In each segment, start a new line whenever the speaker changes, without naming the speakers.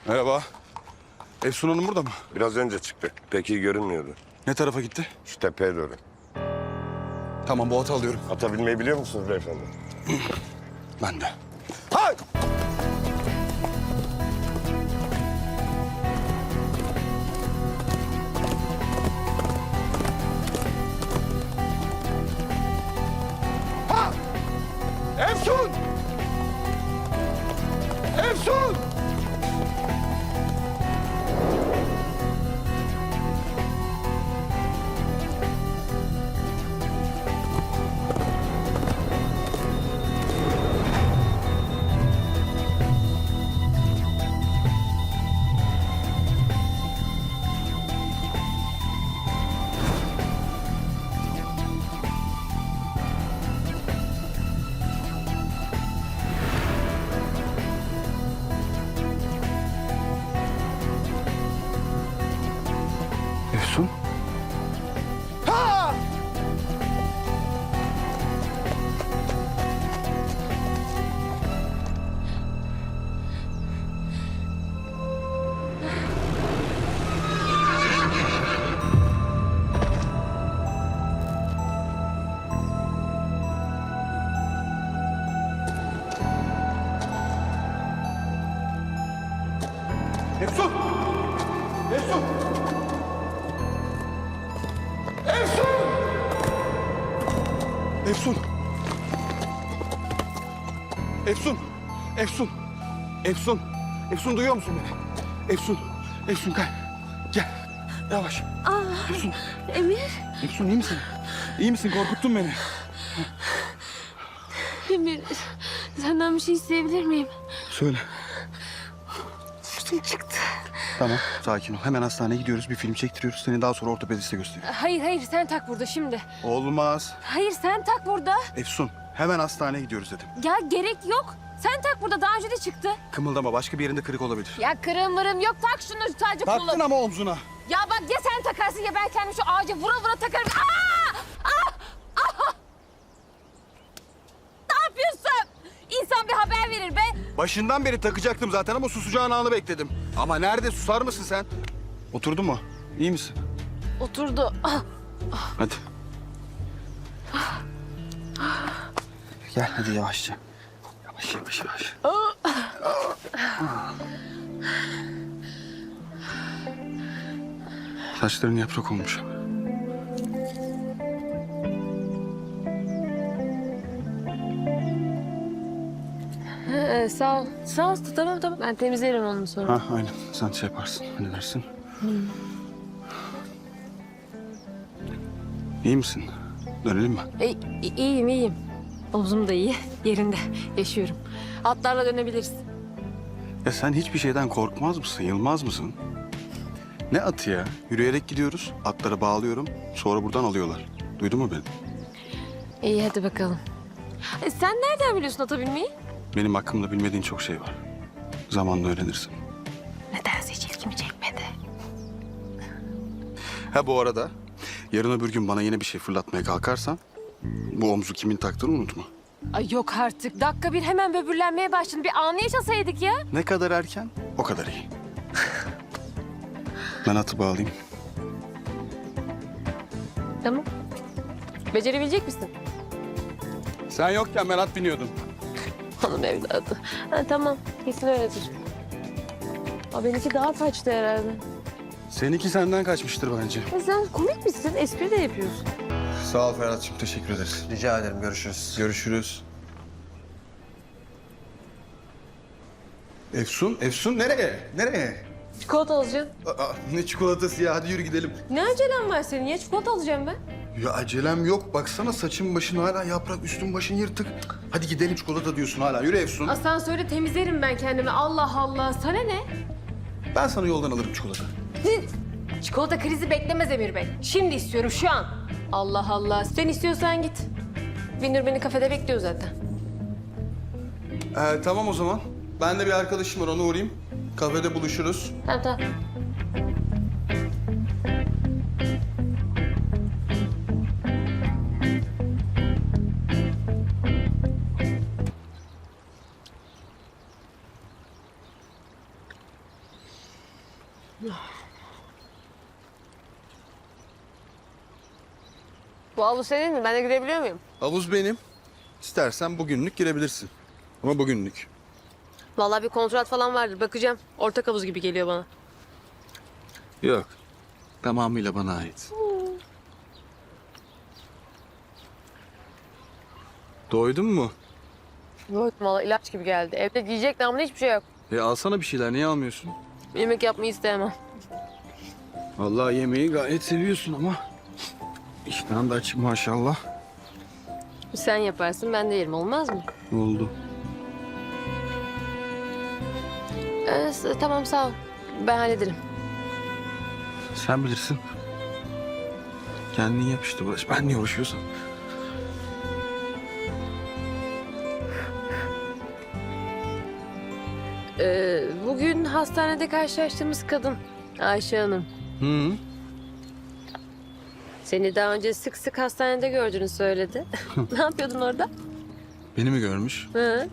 Merhaba. Efsun Hanım burada mı?
Biraz önce çıktı. Pek iyi görünmüyordu.
Ne tarafa gitti?
Şu tepeye doğru.
Tamam, bu atı alıyorum.
Ata binmeyi biliyor musunuz beyefendi?
Ben de. Hay! Ha! Efsun! Efsun! Efsun? Ha! Efsun! Efsun! Efsun! Efsun! Efsun! Efsun! Efsun, duyuyor musun beni? Efsun! Efsun, gel. Gel. Yavaş. Efsun!
Emir,
Efsun, iyi misin? İyi misin? Korkuttun beni.
Emir, senden bir şey isteyebilir miyim?
Söyle.
Üstüm çıktı.
Tamam, sakin ol. Hemen hastaneye gidiyoruz. Bir film çektiriyoruz. Seni daha sonra ortopediste gösteriyor.
Hayır, sen tak burada şimdi.
Olmaz.
Hayır, sen tak burada.
Efsun, hemen hastaneye gidiyoruz dedim.
Ya gerek yok. Sen tak burada, daha önce de çıktı.
Kımıldama, başka bir yerinde kırık olabilir.
Ya kırığım mırığım yok, tak şunu sadece
Taktın
kullan.
ama omzuna.
Ya bak, ya sen takarsın ya ben kendim şu ağaca vura vura takarım. Ne yapıyorsun? İnsan bir haber verir be.
Başından beri takacaktım zaten ama susacağın anı bekledim. Ama nerede, susar mısın sen? Oturdun mu? İyi misin?
Oturdu.
Hadi. Gel hadi yavaşça. Yavaş yavaş yavaş. Saçların yaprak olmuş.
Sağ ol. Sağ ol. Tamam. Ben temizlerim onu sonra.
Ha aynen. Sen şey yaparsın, halledersin. İyi misin? Dönelim mi?
İyiyim. Omzum da iyi. Yerinde. Yaşıyorum. Atlarla dönebiliriz.
Ya sen hiçbir şeyden korkmaz mısın, yılmaz mısın? Ne atı ya? Yürüyerek gidiyoruz, atları bağlıyorum, sonra buradan alıyorlar. Duydun mu beni?
İyi hadi bakalım. Sen nereden biliyorsun ata binmeyi?
Benim hakkımda bilmediğin çok şey var. Zamanla öğrenirsin.
Nedense hiç ilgimi çekmedi.
Ha bu arada, yarın öbür gün bana yine bir şey fırlatmaya kalkarsan... ...bu omzu kimin taktığını unutma.
Ay yok artık. Dakika bir hemen böbürlenmeye başladın. Bir anı yaşasaydık ya.
Ne kadar erken, o kadar iyi. Ben atı bağlayayım.
Tamam. Becerebilecek misin?
Sen yokken ben at biniyordum.
Hanım evladı. Ha, tamam. Kesin öyledir. Benimki daha kaçtı herhalde.
Seninki senden kaçmıştır bence.
Sen komik misin? Espri de yapıyorsun.
Sağ ol Ferhat'cığım, teşekkür ederiz.
Rica ederim, görüşürüz.
Görüşürüz. Efsun nereye? Nereye?
Çikolata alacağım.
Ne çikolatası ya, hadi yürü gidelim.
Ne acelem var senin ya? Çikolata alacağım ben.
Ya acelem yok, baksana saçın başın hala yaprak, üstün başın yırtık. Hadi gidelim, çikolata diyorsun hala, yürü Efsun.
Asansörde temizlerim ben kendimi. Allah Allah. Sana ne?
Ben sana yoldan alırım çikolata.
Çikolata krizi beklemez Emir Bey. Şimdi istiyorum şu an. Allah Allah. Sen istiyorsan git. Binur beni kafede bekliyor zaten.
Tamam o zaman. Ben de bir arkadaşım var, ona uğrayayım. Kafede buluşuruz.
Tamam. Bu havlu senin mi? Ben de girebiliyor muyum?
Havuz benim. İstersen bugünlük girebilirsin. Ama bugünlük.
Vallahi bir kontrat falan vardır. Bakacağım. Ortak havuz gibi geliyor bana.
Yok. Tamamıyla bana ait. Doydun mu?
Yok vallahi ilaç gibi geldi. Evde yiyecek namına hiçbir şey yok.
Alsana bir şeyler. Niye almıyorsun?
Yemek yapmayı istemem.
Vallahi yemeği gayet seviyorsun ama. İştahın da açık maşallah.
Sen yaparsın ben de yerim olmaz mı?
Oldu.
Tamam sağ ol. Ben hallederim.
Sen bilirsin. Kendin yap işte Barış. Ben niye uğraşıyorsam.
Bugün hastanede karşılaştığımız kadın Ayşe Hanım.
Hı.
Seni daha önce sık sık hastanede gördüğünü söyledi. Ne yapıyordun orada?
Beni mi görmüş?
Hı.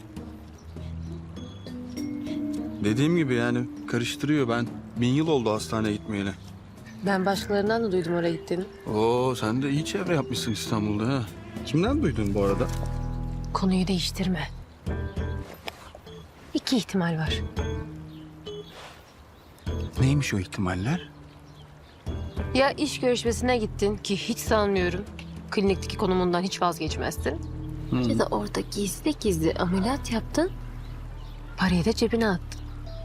Dediğim gibi yani karıştırıyor. Ben 1000 yıl oldu hastaneye gitmeyeli.
Ben başkalarından da duydum oraya gittiğini.
Oo, sen de iyi çevre yapmışsın İstanbul'da ha. Kimden duydun bu arada?
Konuyu değiştirme. 2 ihtimal var.
Neymiş o ihtimaller?
Ya iş görüşmesine gittin ki hiç sanmıyorum. Klinikteki konumundan hiç vazgeçmezsin. Ya da orada gizli gizli ameliyat yaptın. Parayı da cebine attın.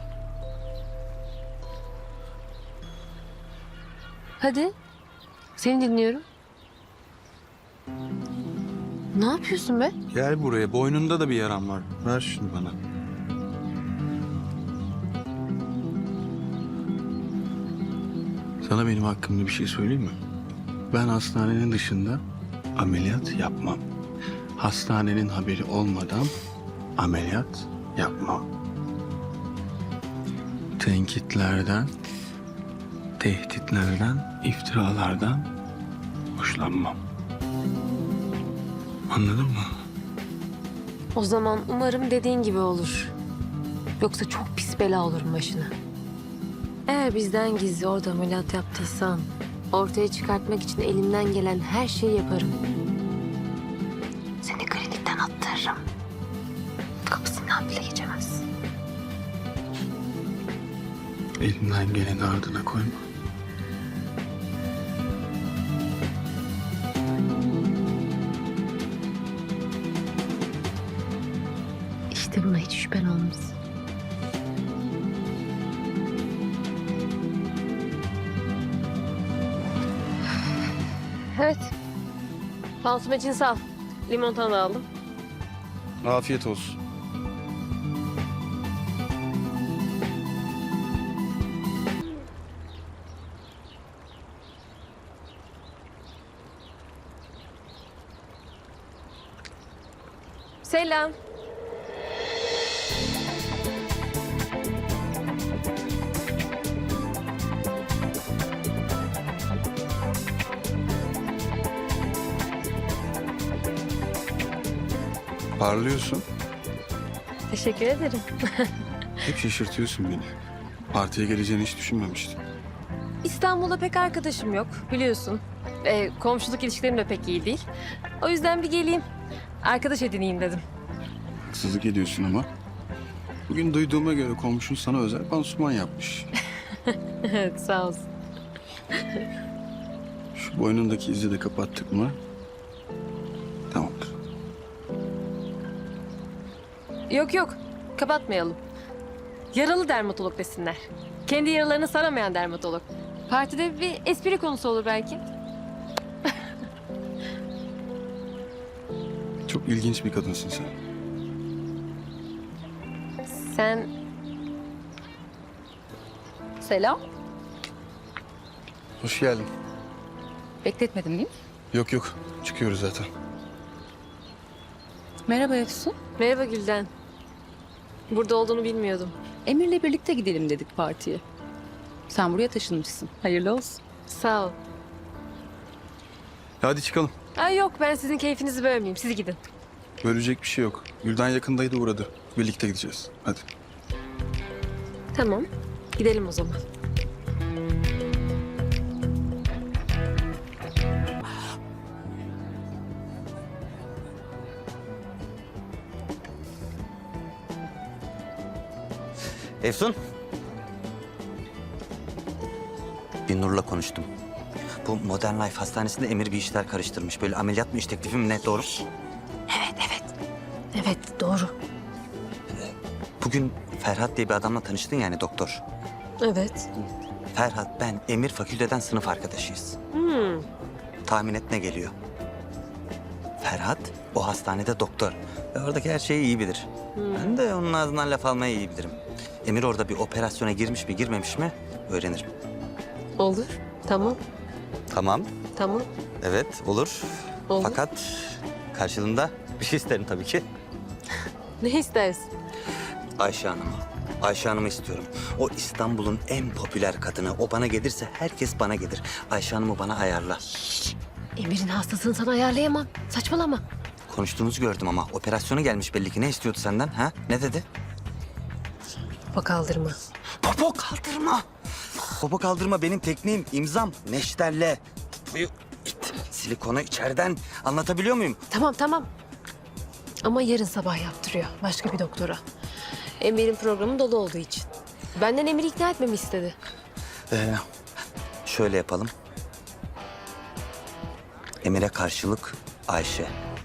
Hadi. Seni dinliyorum. Ne yapıyorsun be?
Gel buraya. Boynunda da bir yaram var. Ver şunu bana. Sana benim hakkımda bir şey söyleyeyim mi? Ben hastanenin dışında ameliyat yapmam. Hastanenin haberi olmadan ameliyat yapmam. Tenkitlerden, tehditlerden, iftiralardan hoşlanmam. Anladın mı?
O zaman umarım dediğin gibi olur. Yoksa çok pis bela olurum başına. Eğer bizden gizli orada ameliyat yaptıysan... ortaya çıkartmak için elimden gelen her şeyi yaparım. Seni klinikten attırırım. Kapısından bile geçemezsin.
Elimden geleni ardına koyma.
İşte buna hiç şüphen olmaz. Evet. Pansuman için sağ ol. Limonata da aldım.
Afiyet olsun.
Selam.
Parlıyorsun.
Teşekkür ederim.
Hep şaşırtıyorsun beni. Partiye geleceğini hiç düşünmemiştim.
İstanbul'da pek arkadaşım yok biliyorsun. Komşuluk ilişkilerim de pek iyi değil. O yüzden bir geleyim. Arkadaş edineyim dedim.
Haksızlık ediyorsun ama. Bugün duyduğuma göre komşun sana özel pansuman yapmış.
Evet sağ olsun.
Şu boynundaki izi de kapattık mı? Tamamdır.
Yok kapatmayalım. Yaralı dermatolog desinler. Kendi yaralarını saramayan dermatolog. Partide bir espri konusu olur belki.
Çok ilginç bir kadınsın sen.
Sen...
Selam.
Hoş geldin.
Bekletmedim değil mi?
Yok. Çıkıyoruz zaten.
Merhaba Efsun.
Merhaba Gülden. Burada olduğunu bilmiyordum.
Emir'le birlikte gidelim dedik partiye. Sen buraya taşınmışsın. Hayırlı olsun.
Sağ ol.
Hadi çıkalım.
Ay yok ben sizin keyfinizi bölmeyeyim. Siz gidin.
Bölecek bir şey yok. Gülden yakındaydı uğradı. Birlikte gideceğiz. Hadi.
Tamam. Gidelim o zaman.
Efsun. Bir Nur'la konuştum. Bu Modern Life hastanesinde Emir bir işler karıştırmış. Böyle ameliyat mı iş teklifi mi ne doğru?
Evet doğru.
Bugün Ferhat diye bir adamla tanıştın yani doktor.
Evet.
Ferhat, ben, Emir fakülteden sınıf arkadaşıyız. Tahmin et ne geliyor? Ferhat o hastanede doktor. Ve oradaki her şeyi iyi bilir. Ben de onun ağzından laf almayı iyi bilirim. Emir orada bir operasyona girmiş mi girmemiş mi öğrenirim.
Olur. Tamam.
Tamam.
Tamam.
Evet olur.
Olur.
Fakat karşılığında bir şey isterim tabii ki.
Ne istersin?
Ayşe Hanım'ı. Ayşe Hanım'ı istiyorum. O İstanbul'un en popüler kadını. O bana gelirse herkes bana gelir. Ayşe Hanım'ı bana ayarla.
Emir'in hastasını sana ayarlayamam. Saçmalama.
Konuştuğunuzu gördüm ama operasyonu gelmiş belli ki. Ne istiyordu senden ha? Ne dedi?
Bak kaldırma.
Popo kaldırma. Popo kaldırma benim tekniğim, imzam. Neşterle. Silikonu içeriden. Anlatabiliyor muyum?
Tamam. Ama yarın sabah yaptırıyor. Başka bir doktora. Emir'in programı dolu olduğu için. Benden Emir'i ikna etmemi istedi.
Şöyle yapalım. Emir'e karşılık Ayşe.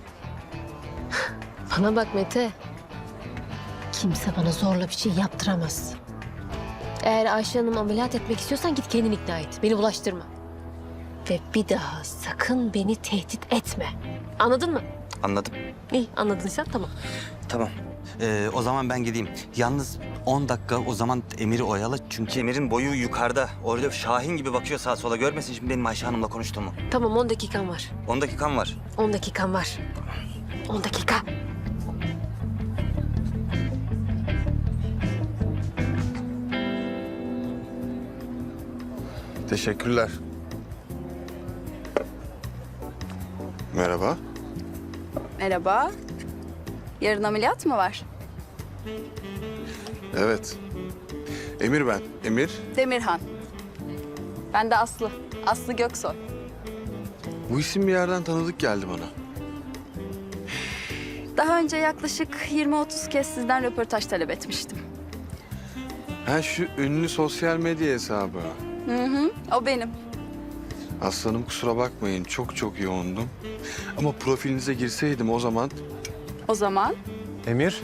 Bana bak Mete. Kimse bana zorla bir şey yaptıramaz. Eğer Ayşe Hanım ameliyat etmek istiyorsan git kendin ikna et. Beni bulaştırma. Ve bir daha sakın beni tehdit etme. Anladın mı?
Anladım.
İyi anladıysa tamam.
Tamam. O zaman ben gideyim. Yalnız 10 dakika o zaman Emir'i oyala. Çünkü Emir'in boyu yukarıda. Orada Şahin gibi bakıyor sağa sola. Görmesin şimdi benim Ayşe Hanım'la konuştuğumu.
Tamam 10 dakikan var.
10 dakikam var.
10 dakikan var. 10 dakika.
Teşekkürler. Merhaba.
Merhaba. Yarın ameliyat mı var?
Evet. Emir ben. Emir.
Demirhan. Ben de Aslı. Aslı Göksoy.
Bu isim bir yerden tanıdık geldi bana.
Daha önce yaklaşık 20-30 kez sizden röportaj talep etmiştim.
Ha şu ünlü sosyal medya hesabı.
O benim.
Aslanım kusura bakmayın çok yoğundum. Ama profilinize girseydim o zaman...
O zaman
Emir,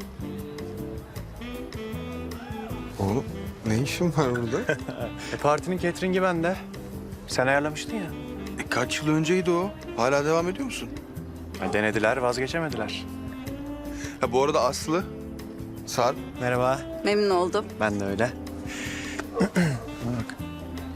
Oğlum ne işin var burada?
partinin catering'i bende. Sen ayarlamıştın ya.
Kaç yıl önceydi o? Hala devam ediyor musun?
Denediler, vazgeçemediler.
Ha bu arada Aslı, Sarp.
Merhaba.
memnun oldum.
Ben de öyle. Bak.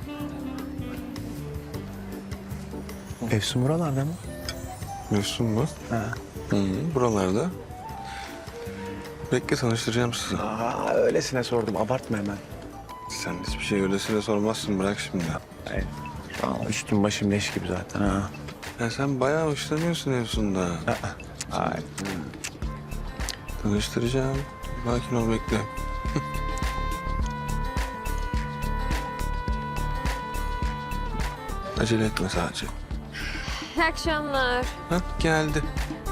Efsun buralarda mı?
Mesut mu?
Ha.
Buralarda. Bekle tanıştıracağım sizi.
Öylesine sordum, abartma hemen.
Sen hiçbir şey öylesine sormazsın bırak şimdi.
Hayır. Üstüm başım leş gibi zaten ha.
Ya sen bayağı hoşlanıyorsun Efsun'da.
Ay.
Tanıştıracağım. Sakin ol bekle. Acele etme sadece.
İyi akşamlar.
Hah geldi.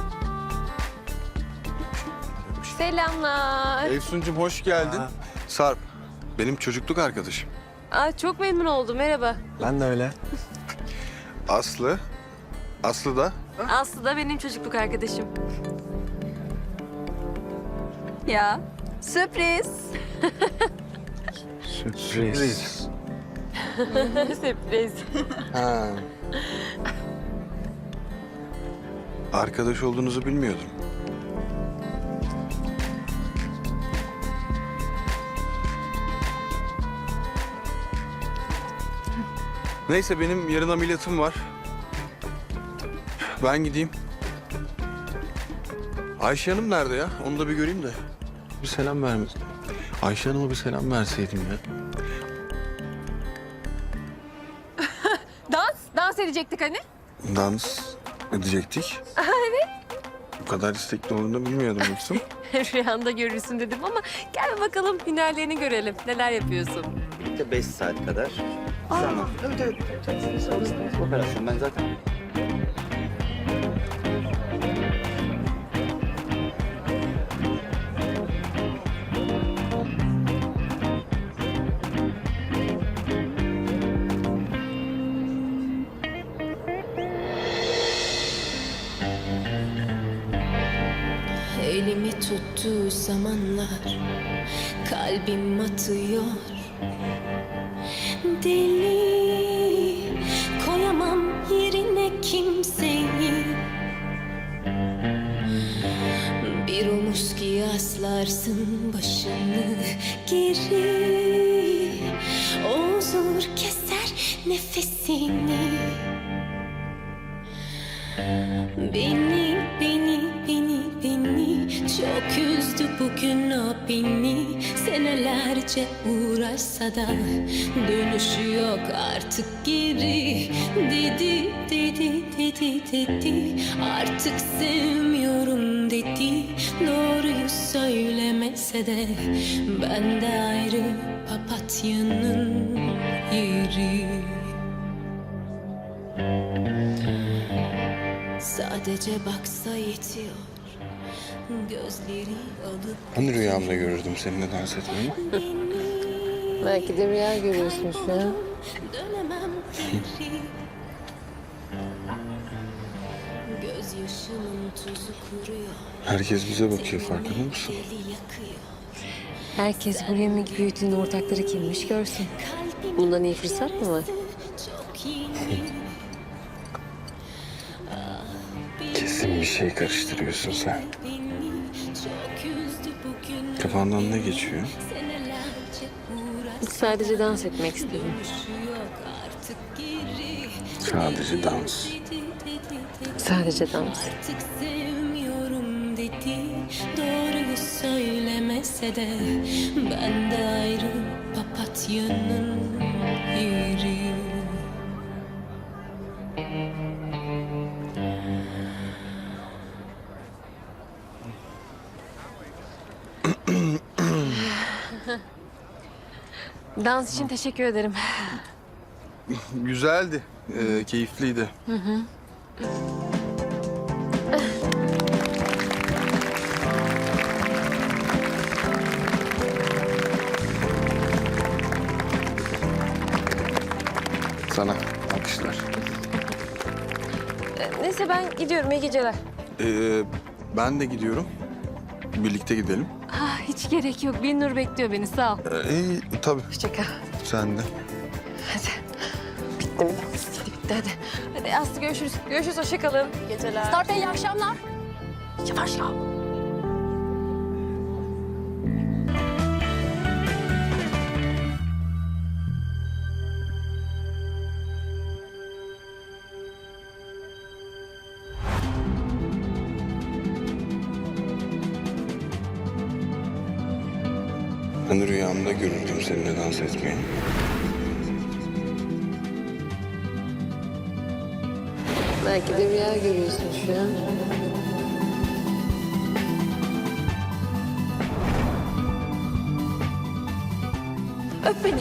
Selamlar.
Efsun'cum hoş geldin.
Aa.
Sarp benim çocukluk arkadaşım.
Çok memnun oldum. Merhaba.
Ben de öyle.
Aslı. Aslı da.
Aslı da benim çocukluk arkadaşım.
Ya sürpriz.
Sürpriz.
Sürpriz.
Ha. Arkadaş olduğunuzu bilmiyordum. Neyse benim yarın ameliyatım var. Ben gideyim. Ayşe Hanım nerede ya? Onu da bir göreyim de. Bir selam vermez. Ayşe Hanım'a bir selam verseydim ya.
Dans edecektik hani.
Dans edecektik. Evet. Bu kadar istekli olduğunu bilmiyordum Efsun.
Rüyanda görürsün dedim ama gel bakalım hünerlerini görelim. Neler yapıyorsun?
Bir de 5 saat kadar. Zaman. Evet. Operasyon ben zaten.
tuttuğu zamanlar kalbim atıyor. Deli koyamam yerine kimseyi. Bir omuz ki yaslarsın başını geri. O huzur keser nefesini. Beni çok üzdü bugün o beni. Senelerce uğraşsa da dönüşü yok artık geri. Dedi artık sevmiyorum dedi. Doğruyu söylemese de ben de ayrı papatyanın yeri. Sadece baksa yetiyor. Gözleri alıp
Hani rüyamda görürdüm seninle dans etmeyi?
belki de rüya görüyorsun şu an. Dönemem geri. Gözyaşımın tuzu kuruyor.
Herkes bize bakıyor, farkında mısın?
Deli yakıyor.
Herkes bu yemek büyütünün ortakları kimmiş görsün. Bundan iyi fırsat mı var?
Çok yeni.
Kesin bir şey karıştırıyorsun sen. Kafandan ne geçiyor?
Sadece dans etmek istedim.
Sadece dans.
Sadece dans.
Artık sevmiyorum dedi. Doğruyu söylemese de ben de ayrı papatyanın yeri.
Dans için teşekkür ederim.
Güzeldi, keyifliydi. Sana alkışlar.
Neyse ben gidiyorum. İyi geceler.
Ben de gidiyorum. Birlikte gidelim.
Ah, hiç gerek yok. Binnur bekliyor beni. Sağ ol.
İyi, tabii.
Hoşça kal.
Sen de.
Hadi. Bitti mi? Bitti hadi. Hadi Aslı görüşürüz. Görüşürüz. Hoşça kalın. İyi geceler.
Start iyi akşamlar.
Yavaş ya.
Ben rüyamda görürdüm seninle dans etmeyi.
Belki de rüya görüyorsun şu an.
Öp beni.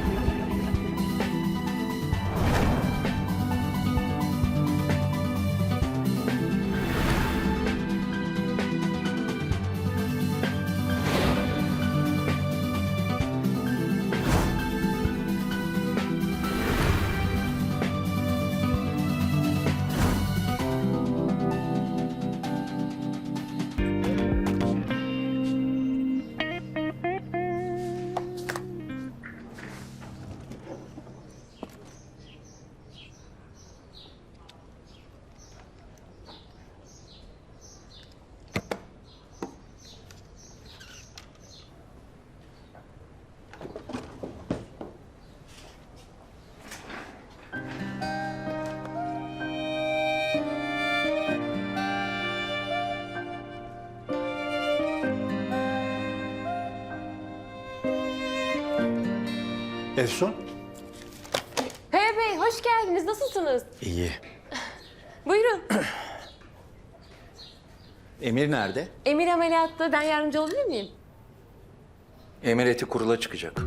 Efsun?
Peyami Bey hoş geldiniz. Nasılsınız?
İyi.
Buyurun.
Emir nerede?
Emir ameliyatta. Ben yardımcı olabilir miyim?
Emir eti kurula çıkacak.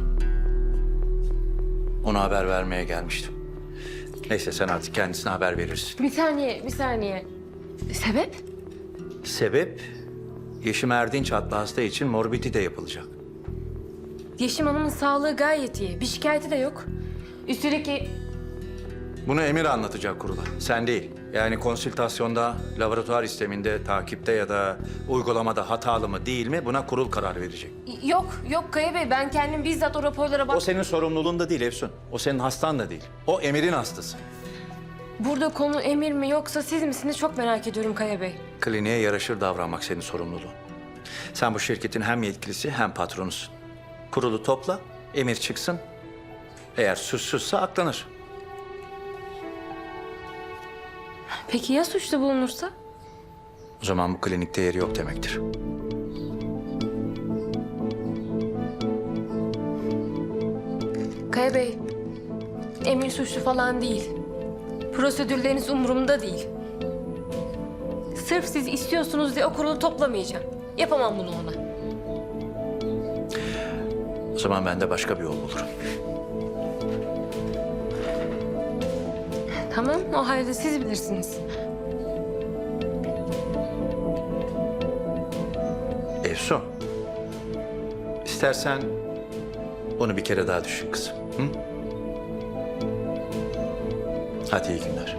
Ona haber vermeye gelmiştim. Neyse sen artık kendisine haber verirsin.
Bir saniye. Sebep?
Sebep Yeşim Erdinç adlı hasta için morbidi de yapılacak.
Yeşim Hanım'ın sağlığı gayet iyi. Bir şikayeti de yok. Üstelik
Bunu Emir anlatacak kurula. Sen değil. Yani konsültasyonda, laboratuvar isteminde, takipte ya da uygulamada hatalı mı değil mi buna kurul karar verecek.
Yok Kaya Bey, ben kendim bizzat o raporlara
O senin sorumluluğunda değil Efsun. O senin hastan da değil. O Emir'in hastası.
Burada konu Emir mi yoksa siz misiniz çok merak ediyorum Kaya Bey.
Kliniğe yaraşır davranmak senin sorumluluğun. Sen bu şirketin hem yetkilisi hem patronusun. Kurulu topla, Emir çıksın. Eğer suçsuzsa aklanır.
Peki ya suçlu bulunursa?
O zaman bu klinikte yeri yok demektir.
Kaya Bey, Emir suçlu falan değil. Prosedürleriniz umurumda değil. Sırf siz istiyorsunuz diye o kurulu toplamayacağım. Yapamam bunu ona.
O zaman ben de başka bir yol bulurum.
Tamam, o halde siz bilirsiniz.
Efsun, istersen bunu bir kere daha düşün kızım. Hı? Hadi iyi günler.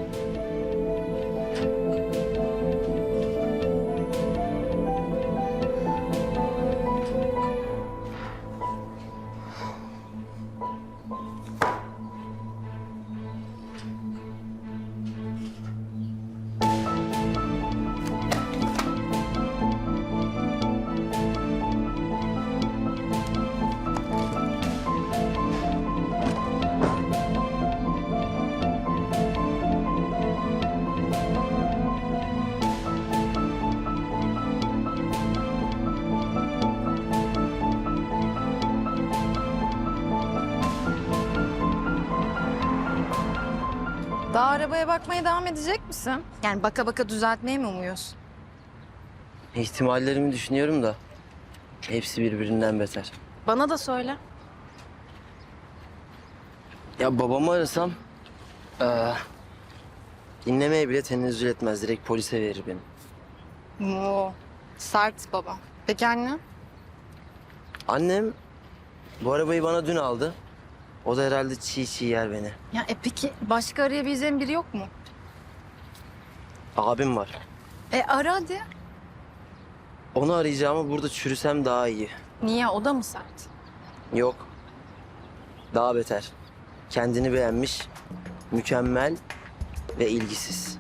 Daha arabaya bakmaya devam edecek misin? Yani baka baka düzeltmeyi mi umuyorsun?
İhtimallerimi düşünüyorum da hepsi birbirinden beter.
Bana da söyle.
Ya babamı arasam dinlemeye bile tenezzül etmez. Direkt polise verir beni.
Oo, sert baba. Peki anne?
Annem bu arabayı bana dün aldı. O da herhalde çiğ çiğ yer beni.
Ya peki başka arayabileceğin biri yok mu?
Abim var.
Ara hadi.
Onu arayacağımı burada çürüsem daha iyi.
Niye? O da mı sert?
Yok. Daha beter. Kendini beğenmiş, mükemmel ve ilgisiz.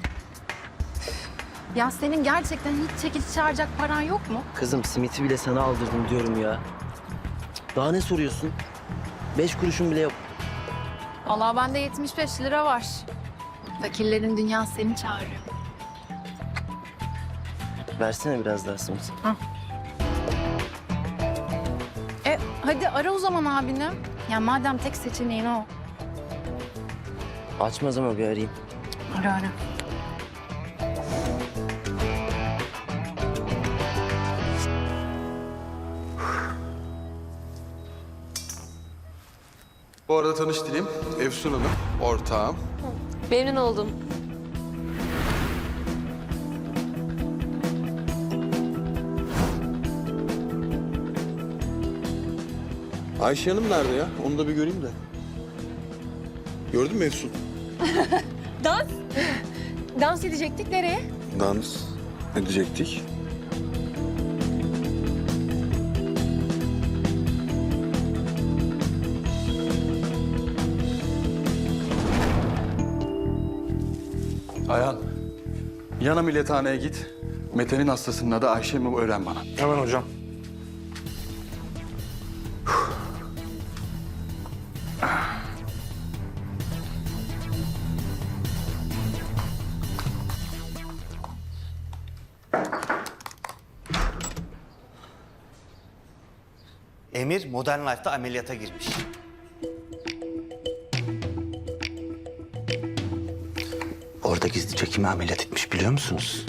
Ya senin gerçekten hiç çekici çağıracak paran yok mu?
Kızım simiti bile sana aldırdım diyorum ya. Daha ne soruyorsun? 5 kuruşun bile yok.
Vallahi bende 75 lira var. Fakirlerin dünyası seni çağırıyor.
Versene biraz daha simit.
Hadi ara o zaman abini. Ya madem tek seçeneğin o.
Açmaz ama bir arayayım.
Ara.
Bu arada tanıştırayım. Efsun Hanım, ortağım.
Memnun oldum.
Ayşe Hanım nerede ya? Onu da bir göreyim de. Gördün mü Efsun?
Dans edecektik nereye?
Dans edecektik. Ayhan, yan ameliyathaneye git. Mete'nin hastasının adı Ayşe mi öğren bana.
Hemen hocam.
Emir Modern Life'da ameliyata girmiş. Orada gizlice kimi ameliyat etmiş biliyor musunuz?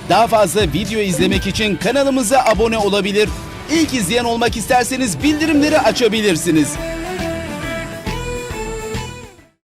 Daha fazla video izlemek için kanalımıza abone olabilir. İlk izleyen olmak isterseniz bildirimleri açabilirsiniz.